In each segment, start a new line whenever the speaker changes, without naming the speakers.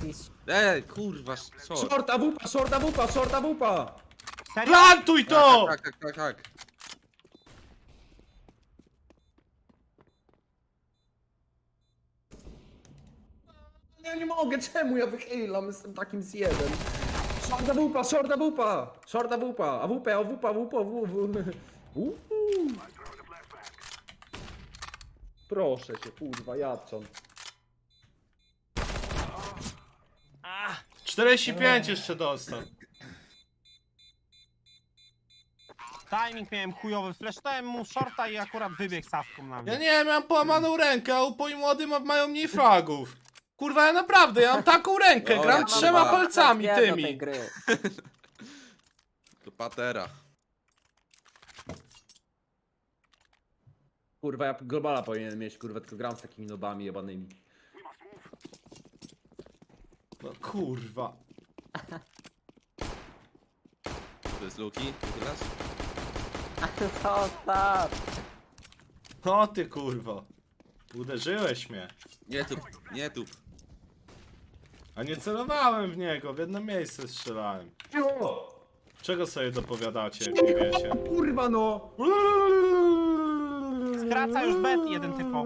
mistrz.
Kurwa, short.
Short AWP, short AWP, short AWP!
Serio?
Plantuj to!
Tak.
Ja nie mogę, czemu ja wychylam? Jestem takim zjebem. Short AWP, short AWP! Short AWP, AWP, AWP, AWP. Proszę cię, kurwa, Jadczon.
45 jeszcze dostał.
Timing miałem chujowy, flashtałem mu shorta i akurat wybiegł sawką na mnie.
Ja nie miałem połamaną rękę, a upoi młody mają mniej fragów. Kurwa, ja naprawdę, ja mam taką rękę,
No,
gram
ja mam
3
dwa.
palcami
Ja do tej
tymi.
gry.
To patera.
Kurwa, ja globala powinienem mieć, kurwa, tylko gram z takimi nobami jebanymi.
No kurwa.
To jest Luki, wychylasz?
Zostaw.
No ty kurwo. Uderzyłeś mnie.
Nie tup.
A nie celowałem w niego, w jedno miejsce strzelałem. Czego sobie dopowiadacie, jak nie wiecie?
Kurwa no!
Skraca już bet jeden typo.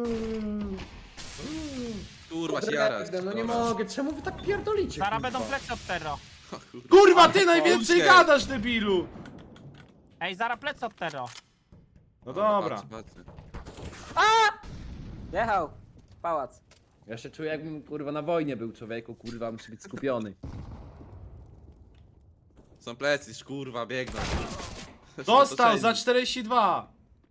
Kurwa, się jarać.
No nie mogę, czemu wy tak pierdolicie?
Zaraz
kurwa?
będą plecy od Terro.
Kurwa, ty najwięcej
Polskę.
gadasz, debilu!
Ej, zaraz plecy od Terro.
No dobra.
Patrzę.
Jechał. Pałac.
Ja się czuję, jakbym kurwa na wojnie był, człowieku, kurwa, muszę być skupiony.
Są plecy, kurwa, biegną.
Dostał za 42!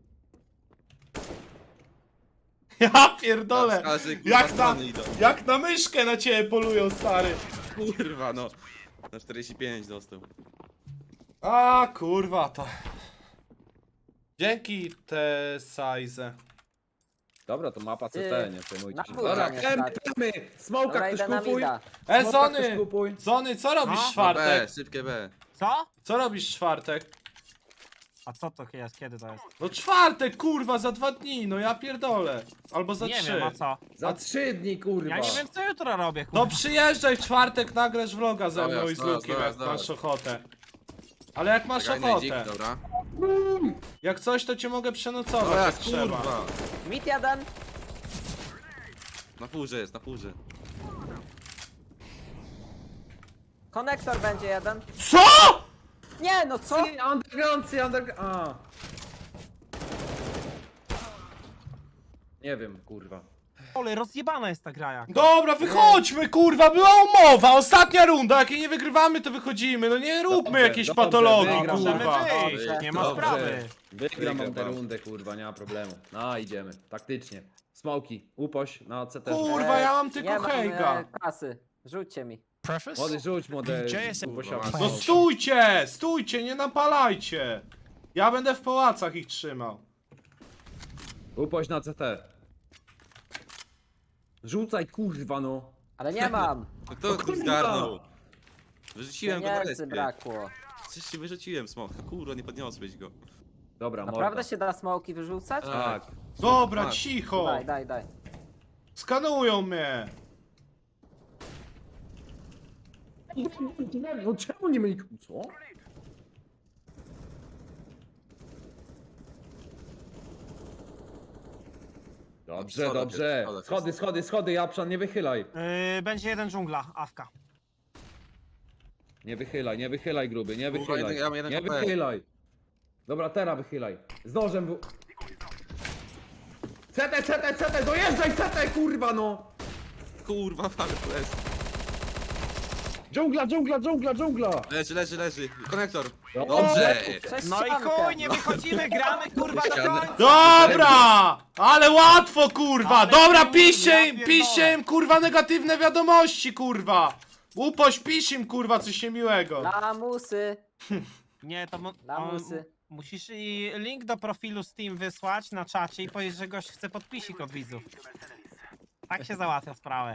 Ja pierdolę! Jak na myszkę na ciebie polują, stary!
Kurwa, no. Na 45 dostał.
A kurwa to. Dzięki te size.
Dobra, to mapa CT, nie przejmujcie
na
się.
pół
Dobra,
nie
kemy,
stać.
kemy! Smoka
Dobra,
ktoś
idę na
kupuj!
mida.
E,
Smoka ktoś
Zony!
kupuj!
Zony, co robisz w
No.
B,
czwartek?
szybkie B.
Co?
Co robisz w czwartek?
A co to jest? Kiedy to jest?
No czwartek, kurwa, za 2 dni, no ja pierdolę. Albo za
Nie
3.
wiem, a co?
Za 3 dni, kurwa!
Ja nie wiem co jutro robię, kurwa.
No przyjeżdżaj w czwartek, nagrasz vloga ze mną i z
Zaraz,
Lukiem,
zaraz,
jak
zaraz.
masz ochotę. Ale jak masz
Czekaj, najdzik,
ochotę,
dobra.
jak coś to cię mogę przenocować,
Dobra,
jak trzeba.
kurwa.
Mit jeden.
Na furze jest, na furze.
Konektor będzie jeden.
CO?!
Nie, no co?
Underground, a. Nie wiem, kurwa.
Ole, rozjebana jest ta gra jak.
Dobra, wychodźmy, kurwa, była umowa, ostatnia runda, jak jej nie wygrywamy, to wychodzimy, no nie róbmy
Dobrze,
jakiejś
dobrze,
patologii,
wygram.
Możemy
kurwa.
wyjść, nie ma
Dobrze.
sprawy.
Wygram
Wygram
tę
wam.
rundę, kurwa, nie ma problemu. No, idziemy, taktycznie. Smoki, upoś na CT.
Kurwa, ja mam
Nie
tylko
mam
hejga.
kasy. Rzućcie mi.
Młody, rzuć młode. uposia.
No stójcie, nie napalajcie. Ja będę w pałacach ich trzymał.
Upoś na CT. Rzucaj, kurwa, no.
Ale nie mam.
No kto tu
kurwa.
zgarnął? Wyrzuciłem go na
Pieniędzy
respie.
brakło.
Coś ci wyrzuciłem, smoka. Kurwa, nie podniosłeś go.
Dobra, morda.
Naprawdę się da smoki wyrzucać?
Tak.
Dobra,
Tak.
cicho.
Daj.
Skanują mnie.
No czemu nie mieli... Co? Dobrze,
Schoda
dobrze.
jest, schoda
Schody, Japszan, nie wychylaj.
Będzie jeden dżungla, awka.
Nie wychylaj, gruby, nie
Kurwa,
wychylaj.
ja mam jeden
Nie
HP.
wychylaj. Dobra, teraz wychylaj. Z nożem w... CT, dojeżdżaj CT, kurwa, no!
Kurwa, ale flash.
Dżungla!
Leży. Konektor.
Dobrze.
Dobrze.
Przez
No i
ściankę.
chuj, nie wychodzimy, gramy kurwa do
Ścianę.
końca.
Dobra! Ale łatwo, kurwa!
Ale
Dobra,
chuj,
piszcie
ja
im,
pierdolę.
piszcie im, kurwa, negatywne wiadomości, kurwa! Upoś, pisz im, kurwa, coś niemiłego.
Lamusy.
Nie, to
Lamusy.
musisz i link do profilu Steam wysłać na czacie i powiedzieć, że gość chce podpisik od widzów. Tak się załatwia sprawę.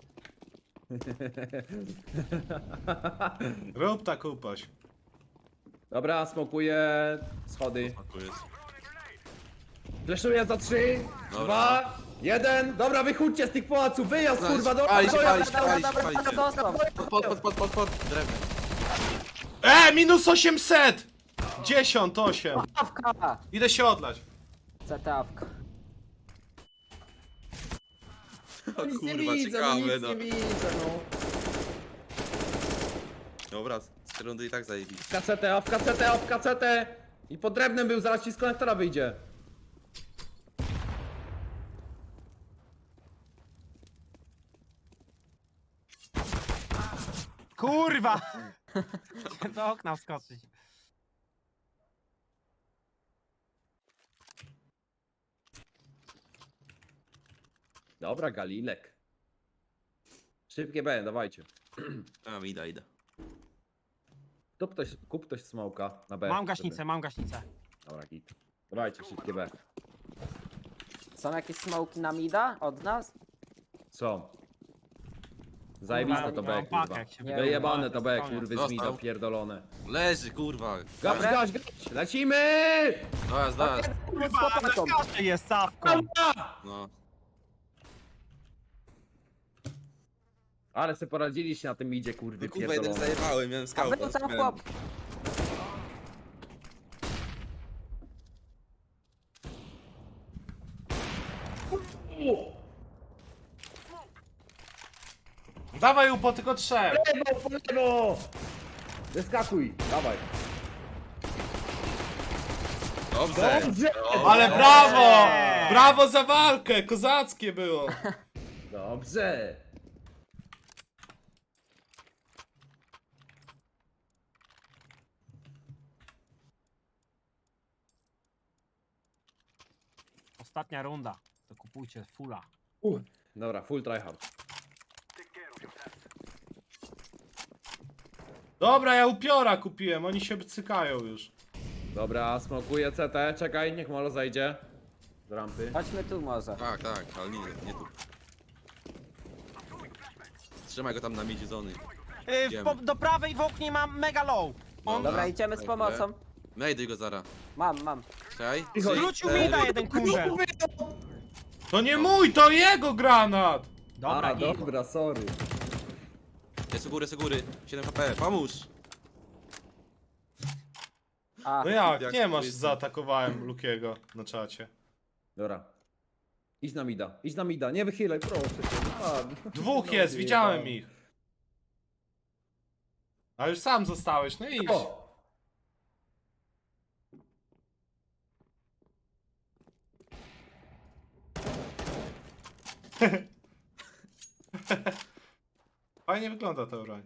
Rób tak, upoś.
Dobra, smokuję schody.
Tu jest.
Fleszuję za 3,
Dobra.
2, Jeden! Dobra, wychódźcie z tych pałaców, wyjazd
Nice.
kurwa, do
Palić,
dojazd.
palić,
Dobra,
palić,
dobra,
palić.
dobra, dostał.
Pod, drewno.
Minus 800! 10, 8.
Awka!
Idę się odlać.
CT-awka.
O
Nic nie
kurwa,
widzę, no
ciekawe,
nic
no.
nie widzę, no.
Dobra, z rundy i tak zajebiście.
W KCT. I pod drewnem był, zaraz ci z konektora wyjdzie.
Kurwa! Chciałem do okna wskoczyć.
Dobra, Galilek. Szybkie B, dawajcie.
A, idę.
Kup ktoś smoka na B.
Mam gaśnicę, mam gaśnicę.
Dobra, git. Dawajcie, szybkie B.
Są jakieś smoki na mida od nas?
Co? Zajebiste
Kurwa,
to
ja mam
B,
pakę,
kurwa.
jak się
Nie,
Wyjebane to B,
koniec.
kurwy z
Dostał.
mida pierdolone.
Leży, kurwa.
Gaś, lecimy!
Dojazd.
Kurwa, na kaszy jest Sawką.
No.
Ale se poradziliście na tym midzie, kurwy
No kurwa, jeden
pierdolone.
zajebałem, miałem
A
skałę.
był tam chłop.
Dawaj upo, tylko 3.
Po lewo! Wyskakuj, dawaj.
Dobrze.
Dobrze!
Ale brawo! Brawo za walkę! Kozackie było!
Dobrze!
Ostatnia runda. To kupujcie fulla.
Dobra, full tryhard.
Dobra, ja upiora kupiłem, oni się cykają już.
Dobra, smokuję CT, czekaj, niech Molo zajdzie. Z rampy.
Chodźmy tu może.
Tak, ale nie tu. Trzymaj go tam na midzie zony. Idziemy.
Do prawej w oknie mam mega low. On
Dobra, idziemy z pomocą.
Najduj go zara.
Mam.
Czekaj.
zwrócił mi na jeden kurzel.
To nie mój, to jego granat!
Dobra, git.
dobra, sorry.
Jest u góry. 7 HP, pomóż.
A,
No jak,
Jak
nie masz,
jest-
zaatakowałem Lukiego na czacie.
Dobra. Idź na mida, nie wychylaj, proszę cię.
Dwóch
No,
jest, widziałem
wyjebałem.
ich. A już sam zostałeś, no idź.
O!
Fajnie wygląda ta broń.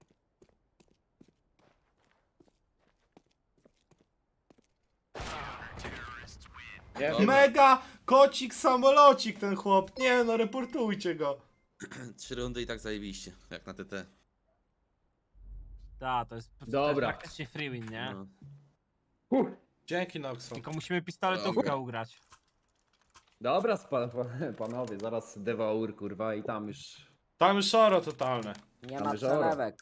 Nie,
Dobra.
Mega kocik samolocik ten chłop. Nie no, reportujcie go.
3 rundy i tak zajebiście, jak na TT.
Tak, to jest
Dobra.
praktycznie free win, nie?
No.
Dzięki Noxon.
Tylko musimy pistoletówkę ugrać.
Dobra, panowie, zaraz devour, kurwa, i tam już...
Tam już szoro totalne.
nie ma
Mamy żoro.
przelewek.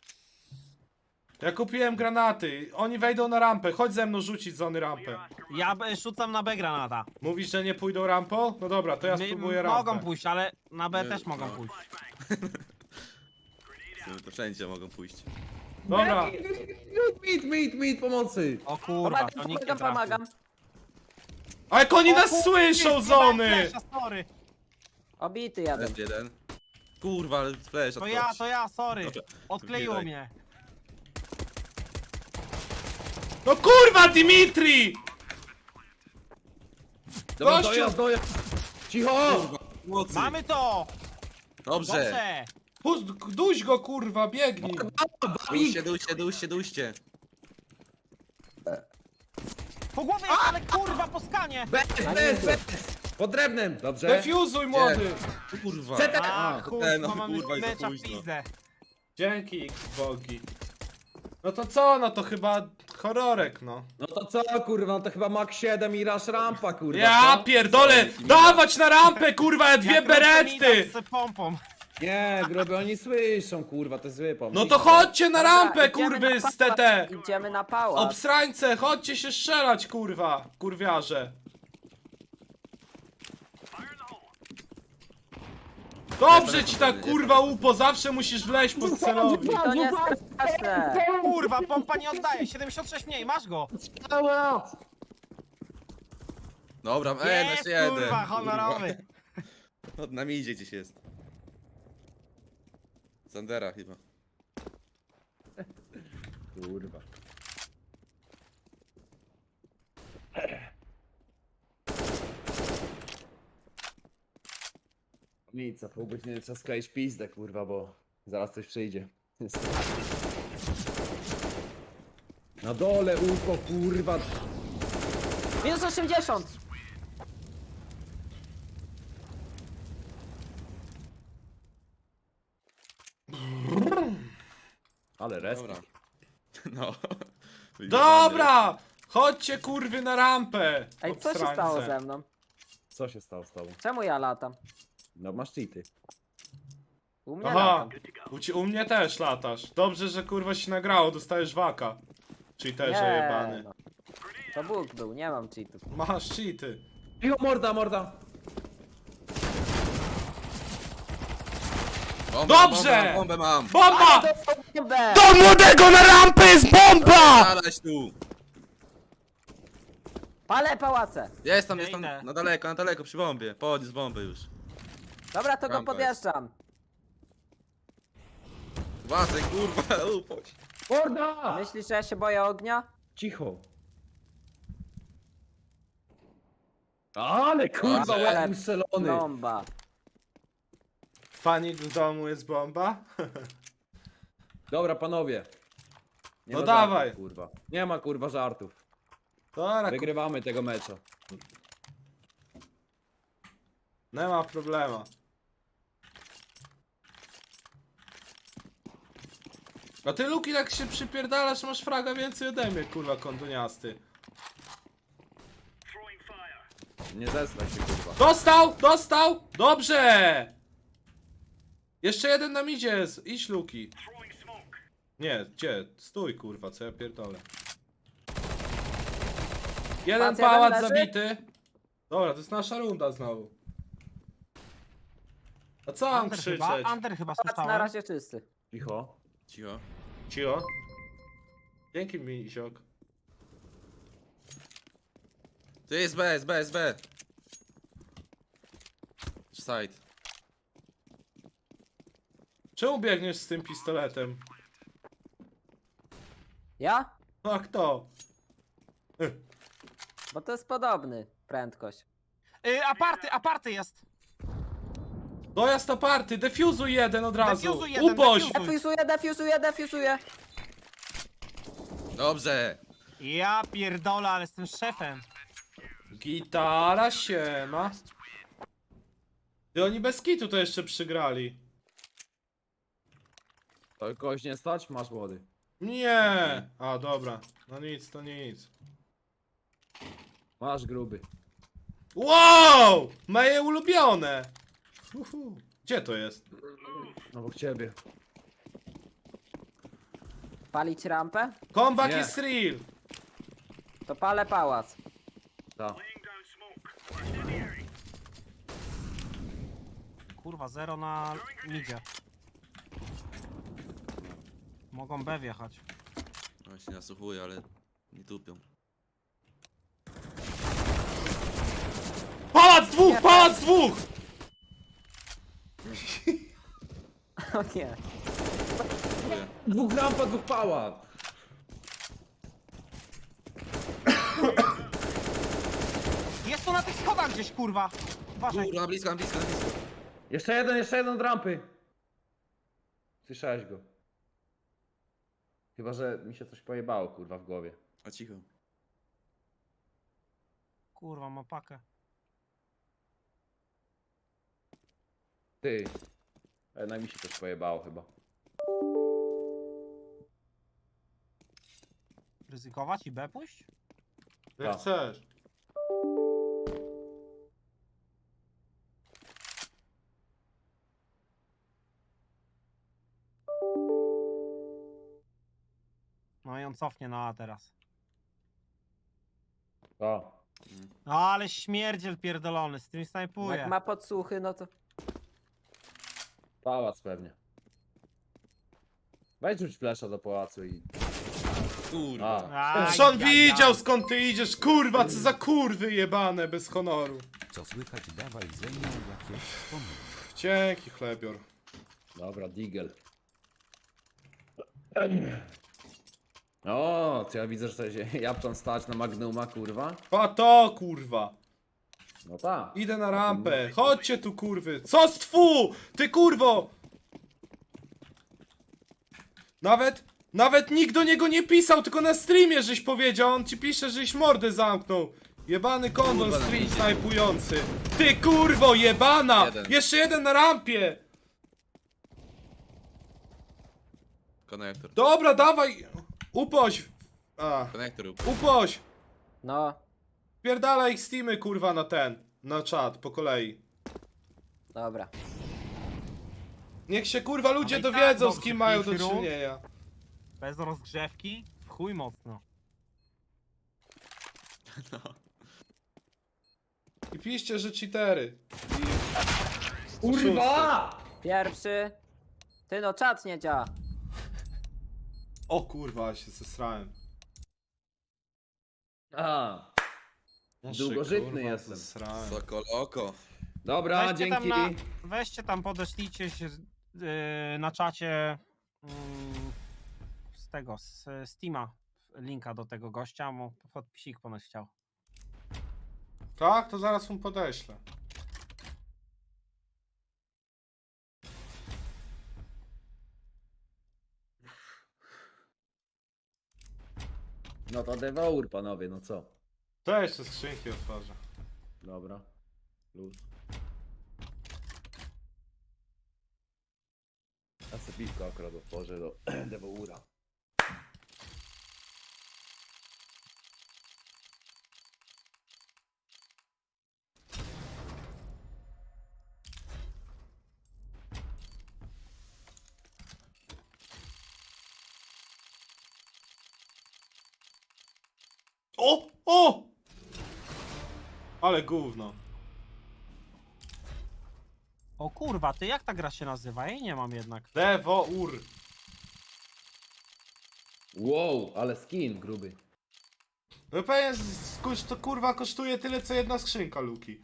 Ja kupiłem granaty. Oni wejdą na rampę. Chodź ze mną rzucić zony rampę.
Ja rzucam na B granata.
Mówisz, że nie pójdą rampą? No dobra, to ja spróbuję rampę.
Mogą pójść, ale na B
Nie,
też mogą
no.
pójść.
W sumie to wszędzie mogą pójść.
Dobra.
Meet, pomocy!
O kurwa, to nikt nie trafił.
Pomagam.
A jak oni
O
nas
kurwa,
słyszą,
jest
zony!
flasha, sorry.
Obity jeden.
Leży jeden. Kurwa, ale flash
To ja, sorry.
Dobra,
Odkleiło
wbijaj.
mnie.
No kurwa, Dimitri!
Dobra,
Gościu!
dojazd! Cicho!
Mocy.
Mamy to!
Dobrze.
Dobrze!
Duś go kurwa, biegnij!
Dujcie.
Po głowie jest, ale kurwa, po skanie!
Bez! Pod drewnem! Dobrze?
Defuzuj młody!
Kurwa.
CT!
A, kurwa,
no,
mamy
kurwa, i za
mecza w
późno.
pizdę.
Dzięki, bogi. No to co, no to chyba horrorek, no.
No to co, kurwa, no to chyba Mach 7 i Rush Rampa, kurwa.
Ja
co?
pierdolę! Dawać na rampę, kurwa, ja dwie
Jak
beretty!
z pompą.
Nie, gruby, oni słyszą, kurwa, to jest zły pomysł.
No to chodźcie na
Dobra,
rampę,
idziemy
kurwy,
na
z
pałac.
TT!
Idziemy na pałac.
Obsrańce, chodźcie się strzelać, kurwa, kurwiarze. Dobrze ci tak kurwa upo, zawsze musisz wleźć pod celownik.
To nie jest straszne.
Kurwa, pompa nie oddaje, 76 mniej, masz go!
Dobra,
Jest,
nasz jeden.
kurwa, honorowy!
No, na mi idzie gdzieś jest. Sandera chyba.
Kurwa. Nic, za pół godziny trzeba skleić pizdę, kurwa, bo zaraz coś przyjdzie. Na dole UFO, kurwa.
Minus 80.
Ale rest.
Dobra. No.
Dobra! Chodźcie kurwy na rampę!
Ej, co się
obstrańce.
stało ze mną?
Co się stało z tobą?
Czemu ja latam?
No masz cheaty.
U mnie
Aha,
latam.
u mnie też latasz. Dobrze, że kurwa się nagrało, dostajesz waka. Cheaterze jebany.
no. To Bóg był, nie mam cheatów.
Masz cheaty.
Jo, morda, morda.
Dobrze!
Bombę mam!
Bomba!
Bombę!
Do młodego na rampę jest bomba!
Zalać tu!
Palę pałace!
Jest tam,
Ja
jest tam,
idę.
na daleko, przy bombie. Podniósł bombę już.
Dobra, to go
Rampa
podjeżdżam.
Uważaj, kurwa, upoć.
Morda!
Myślisz, że ja się boję ognia?
Cicho. Ale kurwa,
Ale-
łeb ustrzelony.
Bomba.
Fanik w domu jest bomba?
Dobra, panowie. Nie
No
ma
dawaj.
Żartów, kurwa. Nie ma kurwa żartów.
Dobra,
Wygrywamy tego mecza.
nie ma problemu. A ty Luki jak się przypierdalasz, masz fraga więcej ode mnie, kurwa kondoniasty.
Nie zesraj się, kurwa.
Dostał! Dostał! Dobrze! Jeszcze jeden nam idzie, idź Luki. Nie, gdzie? Stój kurwa, co ja pierdolę. Jeden
Patrz, jeden
pałac
leży.
zabity. Dobra, to jest nasza runda znowu. A co mam
Under
krzyczeć?
chyba, Under chyba
Pałac na
słyszałem.
razie czysty.
Cicho.
Cicho.
Cio? Dzięki mi, ziok.
To jest B, jest B, jest B. Side.
Czemu biegniesz z tym pistoletem?
Ja?
A kto?
Bo to jest podobny prędkość.
Aparty jest!
Dojazd aparty, defuzuj jeden od razu.
Defuzuj jeden,
Uboś!
defuzuj.
Defuzuję.
Dobrze.
Ja pierdolę, ale jestem szefem.
Gitara siema. Ty oni bez kitu to jeszcze przygrali.
To kogoś nie stać? Masz młody.
Nie! A dobra, no nic, to nic.
Masz gruby.
Wow! Moje ulubione! Uhu. Gdzie to jest?
Obok ciebie.
Palić rampę?
Comeback
Nie.
is real!
To palę pałac.
Tak.
Kurwa, 0 na midzie. Mogą B wjechać.
No się nasłuchuję, ale nie tupią.
Pałac dwóch! Pałac dwóch!
O nie.
Dziękuję.
Dwóch rampa, dwóch pałac.
Jest tu na tych schodach gdzieś, kurwa! Uważaj.
Kurwa, na blisko, na blisko, na blisko.
Jeszcze jeden od rampy. Słyszałeś go. Chyba, że mi się coś pojebało, kurwa, w głowie.
A cicho.
Kurwa, ma pakę.
Ty. Na mi się coś pojebało chyba.
Ryzykować i B pójść?
Jak
Tak.
chcesz.
No i on cofnie na A teraz.
O.
No ale śmierdziel pierdolony, z tym snajpuje.
Jak ma podsłuchy, no to...
Pałac pewnie. Weź rzuć flesza do pałacu i...
Kurwa.
A.
Czy on widział skąd ty idziesz? Kurwa, co za kurwy jebane bez honoru.
Co słychać, dawaj ze mną jakieś wspomnienia.
Dzięki, chlebior.
Dobra, Digel. O, to ja widzę, że to się Japczan stać na Magnuma, kurwa.
A to kurwa.
No tak.
Idę na rampę. Chodźcie tu kurwy. Co z twu? Ty kurwo! Nawet nikt do niego nie pisał, tylko na streamie żeś powiedział. On ci pisze, żeś mordę zamknął. Jebany kondon
Kurwa,
stream
na
snajpujący. Ty kurwo jebana!
Jeden.
Jeszcze jeden na rampie!
Konektor.
Dobra, dawaj! Upoś! A,
Konektor.
upoś!
No,
Pierdala ich steamy kurwa na ten. Na czat, po kolei.
dobra.
Niech się kurwa ludzie
Ale i tak
dowiedzą, z
dobrze,
kim mają do
pięć rund.
czynienia.
Bez rozgrzewki? W chuj mocno.
I piszcie, że cheatery.
Kurwa!
Pierwszy. Ty no, czat nie działa.
O kurwa, się zesrałem.
A,
Ja się,
Długożytny
kurwa,
jestem.
zesrałem.
Sokoloko.
dobra,
Weźcie tam,
dzięki.
weźcie tam, podeślijcie się na czacie z tego, z Steama linka do tego gościa, mu podpisik ponoć chciał.
Tak? To zaraz mu podeślę.
No to Devour, panowie, no co?
To jeszcze skrzynki otworzę.
Dobra. Luz. Ja sobie piwko akurat otworzę do Devoura.
O! O! Ale gówno.
O kurwa, ty jak ta gra się nazywa? Ja jej nie mam jednak.
Devour.
Wow, ale skin gruby.
No pewnie to kurwa kosztuje tyle co jedna skrzynka Luki.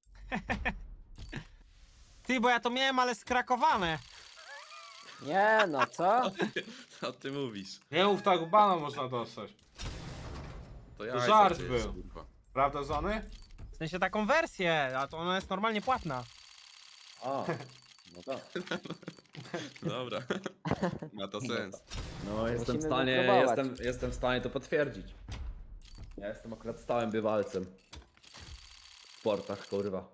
Ty, bo ja to miałem, ale skrakowane.
Nie no, co?
Co ty mówisz?
Nie mów tak, bana można dostać.
To ja
żart był. Prawda, Zony?
W sensie taką wersję, a to ona jest normalnie płatna.
A, no tak.
Dobra. Ma to sens.
No jestem w
Musimy
stanie,
wypróbować.
jestem w stanie to potwierdzić. Ja jestem akurat stałym bywalcem. W sportach, kurwa.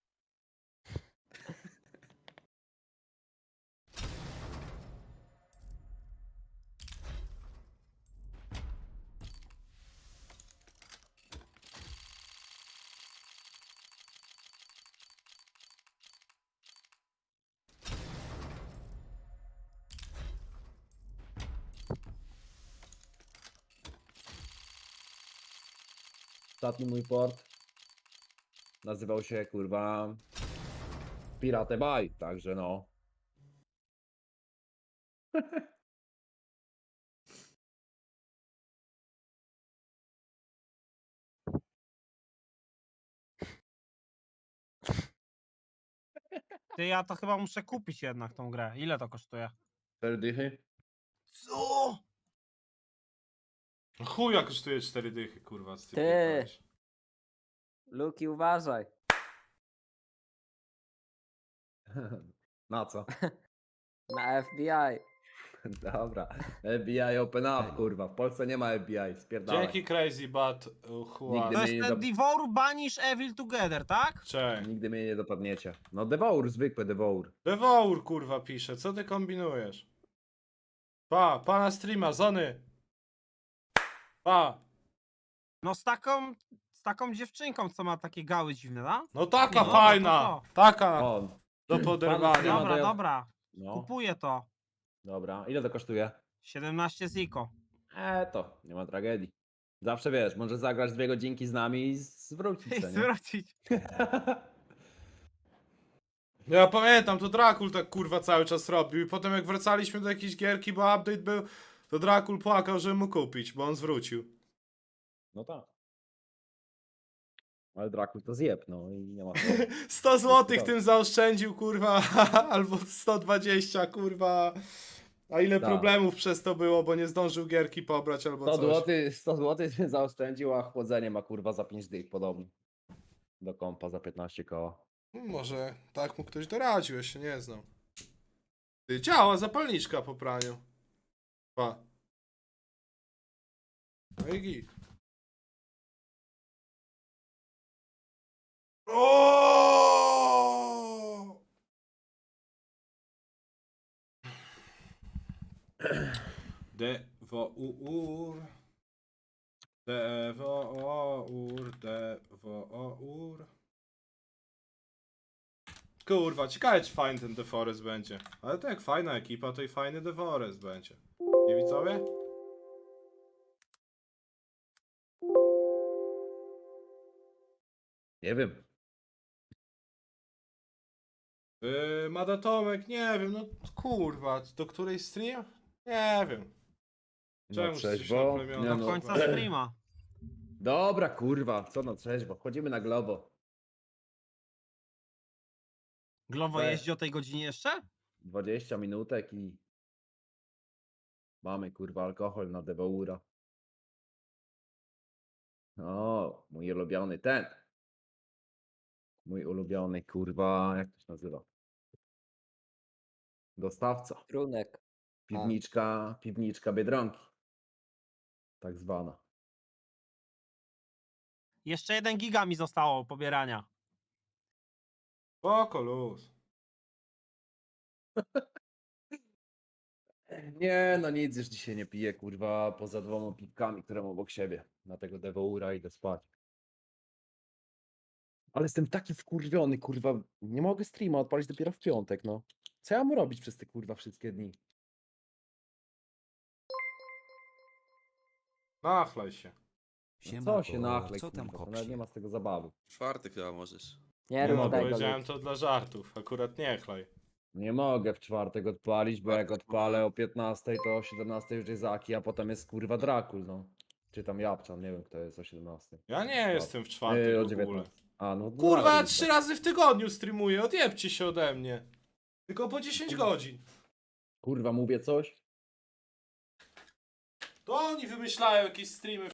Ostatni mój port nazywał się, kurwa, Pirate Bay, także no.
Ty, ja to chyba muszę kupić jednak tą grę. Ile to kosztuje?
4 dychy?
Co?
Chuja kosztuje 4 dychy, kurwa, z tym
Ty.
pierdolisz.
Luki, uważaj.
Na co?
Na FBI.
Dobra. FBI open up, kurwa. W Polsce nie ma FBI, spierdalaj.
Dzięki Crazy Bad Juan.
Nigdy
To
mnie
jest
nie
ten Devour Banish Evil Together, tak?
Cześć.
Nigdy mnie nie dopadniecie. No Devour, zwykły Devour.
Devour kurwa pisze, co ty kombinujesz? Pa na streama, Zony. Pa.
No z taką dziewczynką, co ma takie gały dziwne, da?
No taka
No,
fajna,
to.
taka
O,
do
Pan
poderwania.
streama
Dobra,
to ja-
dobra.
no.
Kupuję to.
Dobra. Ile to kosztuje?
17 ziko.
To nie ma tragedii. Zawsze wiesz, może zagrać 2 godzinki z nami i zwrócić
I
się, nie?
zwrócić.
Ja pamiętam, to Drakul tak kurwa cały czas robił i potem jak wracaliśmy do jakiejś gierki, bo update był, to Drakul płakał, żeby mu kupić, bo on zwrócił.
No tak. Ale Drakul to zjeb, no i nie ma co.
100 zł tym zaoszczędził, kurwa, albo 120, kurwa. A ile
Tak.
problemów przez to było, bo nie zdążył gierki pobrać albo
100
coś.
zł, 100 zł zaoszczędził, a chłodzenie ma kurwa za 5 dych podobnie. Do kompa za 15 koła.
Może tak mu ktoś doradził, ja się nie znam. Ty, działa zapalniczka po praniu. Pa. No i git. O! Dewour. Dewour. Kurwa, ciekawe czy fajny ten DeForest będzie. Ale to jak fajna ekipa, to i fajny DeForest będzie. Nie widzowie?
Nie wiem.
Mada Tomek, nie wiem, no kurwa, do której stream? Nie wiem. Czemu
Na
jesteś
trzeźwo?
na plemiona?
Nie
Do
no.
końca streama.
Dobra kurwa, co na trzeźwo. Wchodzimy na globo.
Glowo
We.
jeździ o tej godzinie jeszcze?
20 minutek i mamy kurwa alkohol na Devoura. O, mój ulubiony ten. Mój ulubiony kurwa, jak to się nazywa? Dostawca.
Trunek.
Piwniczka Biedronki. Tak zwana.
Jeszcze 1 giga mi zostało pobierania.
Spoko, luz.
Nie, no nic już dzisiaj nie piję, kurwa, poza 2 piwkami, które mam obok siebie. Na tego Devoura idę spać. Ale jestem taki wkurwiony, kurwa. Nie mogę streama odpalić dopiero w piątek, no. Co ja mam robić przez te kurwa wszystkie dni?
Nachlaj się.
Siema,
Co się
ko,
nachlej,
co tam
kurwa, to nawet nie
kopsie?
ma z tego zabawy.
Czwarty chyba możesz.
Nie
Nie
rób
mogę,
tego.
Powiedziałem
Luke.
to dla żartów, akurat nie chlaj.
Nie mogę w czwartek odpalić, bo jak odpalę o 15, to o 17 już jest Aki, a potem jest kurwa Drakul, no. Czy tam Japczan, nie wiem kto jest o 17.
Ja nie jestem w czwartek
O
w ogóle.
19. A, no
Kurwa, ja
Drakul,
3 razy w tygodniu streamuję, odjebcie się ode mnie. Tylko po 10 godzin.
Kurwa, mówię coś?
To oni wymyślają jakieś streamy